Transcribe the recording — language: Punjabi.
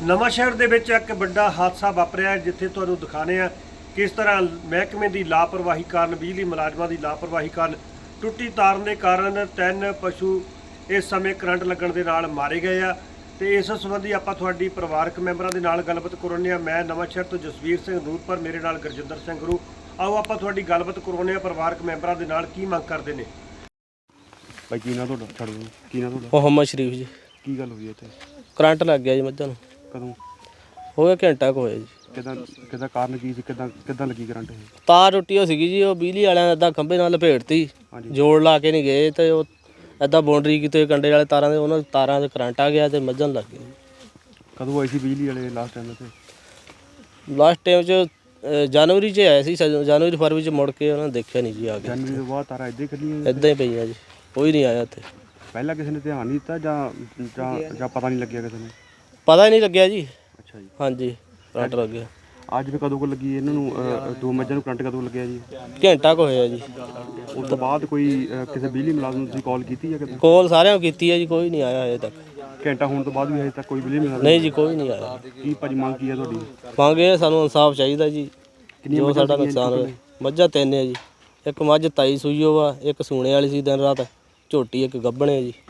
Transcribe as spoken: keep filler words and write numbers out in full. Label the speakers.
Speaker 1: ਨਵਾਂਸ਼ਹਿਰ ਦੇ ਵਿੱਚ ਇੱਕ ਵੱਡਾ ਹਾਦਸਾ ਵਾਪਰਿਆ ਜਿੱਥੇ ਤੁਹਾਨੂੰ ਦਿਖਾਣੇ ਆ ਕਿਸ ਤਰ੍ਹਾਂ ਮਹਿਕਮੇ ਦੀ ਲਾਪਰਵਾਹੀ ਕਾਰਨ ਬਿਜਲੀ ਮੁਲਾਜ਼ਮਾਂ ਦੀ ਲਾਪਰਵਾਹੀ ਕਾਰਨ ਟੁੱਟੀ ਤਾਰ ਦੇ ਕਾਰਨ ਤਿੰਨ ਪਸ਼ੂ ਇਸ ਸਮੇਂ ਕਰੰਟ ਲੱਗਣ ਦੇ ਨਾਲ ਮਾਰੇ ਗਏ ਆ ਤੇ ਇਸ ਸੰਬੰਧੀ ਆਪਾਂ ਤੁਹਾਡੀ ਪਰਿਵਾਰਕ ਮੈਂਬਰਾਂ ਦੇ ਨਾਲ ਗੱਲਬਾਤ ਕਰਾਉਂਦੇ ਆ। ਮੈਂ ਨਵਾਂਸ਼ਹਿਰ ਤੋਂ ਜਸਵੀਰ ਸਿੰਘ ਨੂਰਪੁਰ, ਮੇਰੇ ਨਾਲ ਗੁਰਜਿੰਦਰ ਸਿੰਘ ਗੁਰੂ। ਆਓ ਆਪਾਂ ਤੁਹਾਡੀ ਗੱਲਬਾਤ ਕਰਾਉਂਦੇ ਆ ਪਰਿਵਾਰਕ ਮੈਂਬਰਾਂ ਦੇ ਨਾਲ ਕੀ ਮੰਗ ਕਰਦੇ ਨੇ।
Speaker 2: ਭਾਈ ਕੀ ਨਾ ਤੁਹਾਡਾ ਛੱਡ ਦੋ ਕੀ ਨਾ ਤੁਹਾਡਾ
Speaker 3: ਮੁਹੰਮਦ ਸ਼ਰੀਫ ਜੀ।
Speaker 2: ਕੀ ਗੱਲ ਹੋਈ ਇੱਥੇ?
Speaker 3: ਕਰੰਟ ਲੱਗ ਗਿਆ ਜੀ ਮੱਝਾਂ ਨੂੰ।
Speaker 2: ਕਦੋਂ
Speaker 3: ਹੋ ਗਿਆ ਘੰਟਾ ਕੁ ਹੋਇਆ ਜੀ।
Speaker 2: ਕਿਦਾਂ ਕਿਦਾਂ ਕਾਰਨ ਕੀ ਸੀ? ਕਿਦਾਂ ਕਿਦਾਂ ਲੱਗੀ ਕਰੰਟ ਇਹ?
Speaker 3: ਤਾਰ ਟੁੱਟੀ ਹੋ ਸੀਗੀ ਜੀ, ਉਹ ਬਿਜਲੀ ਵਾਲਿਆਂ ਨੇ ਇੱਦਾਂ ਖੰਭੇ ਨਾਲ ਲਪੇਟਤੀ,
Speaker 2: ਹਾਂਜੀ।
Speaker 3: ਜੋੜ ਲਾ ਕੇ ਨਹੀਂ ਗਏ ਤੇ ਉਹ ਇੱਦਾਂ ਬਾਉਂਡਰੀ ਕੀਤੇ ਕੰਡੇ ਵਾਲੇ ਤਾਰਾਂ ਦੇ, ਉਹਨਾਂ ਤਾਰਾਂ 'ਚ ਕਰੰਟ ਆ ਗਿਆ ਤੇ ਮੱਝਾਂ ਨੂੰ ਲੱਗ ਗਿਆ।
Speaker 2: ਕਦੋਂ ਆਈ ਸੀ ਬਿਜਲੀ ਵਾਲੇ ਲਾਸਟ ਟਾਈਮ ਇੱਥੇ?
Speaker 3: ਲਾਸਟ ਟਾਈਮ 'ਚ ਅ, ਜਨਵਰੀ 'ਚ ਆਇਆ ਸੀ, ਸ- ਜਨਵਰੀ ਫਰਵਰੀ 'ਚ ਮੁੜ ਕੇ ਉਹਨਾਂ ਨੇ ਦੇਖਿਆ ਨਹੀਂ ਜੀ ਆ ਕੇ।
Speaker 2: ਜਨਵਰੀ ਤੋਂ ਬਾਅਦ ਤਾਰਾਂ ਇੱਦਾਂ ਹੀ ਖੱਲੀਆਂ?
Speaker 3: ਇੱਦਾਂ ਹੀ ਪਈਆਂ ਜੀ, ਕੋਈ ਨਹੀਂ ਆਇਆ ਇੱਥੇ।
Speaker 2: ਪਹਿਲਾਂ ਕਿਸੇ ਨੇ ਧਿਆਨ ਨਹੀਂ ਦਿੱਤਾ ਜਾਂ ਜਾਂ ਜਾਂ ਪਤਾ ਨਹੀਂ ਲੱਗਿਆ ਕਿਸੇ ਨੂੰ?
Speaker 3: ਪਤਾ ਹੀ ਨਹੀਂ ਲੱਗਿਆ ਜੀ।
Speaker 2: ਅੱਛਾ ਜੀ।
Speaker 3: ਹਾਂਜੀ, ਕਰੰਟ ਲੱਗ ਗਿਆ।
Speaker 2: ਅੱਜ ਵੀ ਕਦੋਂ ਕੋ ਲੱਗੀ ਇਹਨਾਂ ਨੂੰ? ਅ, ਦੋ ਮੱਝਾਂ ਨੂੰ ਕਰੰਟ ਕਦੋਂ ਲੱਗਿਆ ਜੀ?
Speaker 3: ਘੰਟਾ ਕੁ ਹੋਇਆ ਜੀ।
Speaker 2: ਉਸ ਤੋਂ ਬਾਅਦ ਕੋਈ ਅ, ਕਿਸੇ ਬਿਜਲੀ ਮੁਲਾਜ਼ਮ ਨੂੰ ਤੁਸੀਂ ਕਾਲ ਕੀਤੀ ਜਾਂ ਕਿਤੇ?
Speaker 3: ਕੋਲ ਸਾਰਿਆਂ ਨੂੰ ਕੀਤੀ ਹੈ ਜੀ, ਕੋਈ ਨਹੀਂ ਆਇਆ ਹਜੇ ਤੱਕ।
Speaker 2: ਘੰਟਾ ਹੋਣ ਤੋਂ ਬਾਅਦ ਵੀ ਹਜੇ ਤੱਕ ਕੋਈ ਬਿਜਲੀ ਮੁਲਾਜ਼ਮ?
Speaker 3: ਨਹੀਂ ਜੀ, ਕੋਈ ਨਹੀਂ ਆਇਆ।
Speaker 2: ਕੀ ਭਾਜੀ ਮੰਗ ਕੀ ਹੈ ਤੁਹਾਡੀ?
Speaker 3: ਮੰਗੇ ਸਾਨੂੰ ਇਨਸਾਫ ਚਾਹੀਦਾ ਜੀ,
Speaker 2: ਕਿੰਨੀਆਂ
Speaker 3: ਜੋ
Speaker 2: ਮੱਝਾਂ
Speaker 3: ਸਾਡਾ
Speaker 2: ਸੀਗੀਆਂ
Speaker 3: ਨੁਕਸਾਨ
Speaker 2: ਜੀ
Speaker 3: ਹੋਇਆ। ਮੱਝਾਂ ਤਿੰਨ ਹੈ ਜੀ, ਇੱਕ ਮੱਝ ਤਾਈ ਸੂਈ ਓ ਵਾ, ਇੱਕ ਸੂਣੇ ਵਾਲੀ ਸੀ ਦਿਨ ਰਾਤ, ਝੋਟੀ ਇੱਕ ਗੱਭਣ ਹੈ ਜੀ।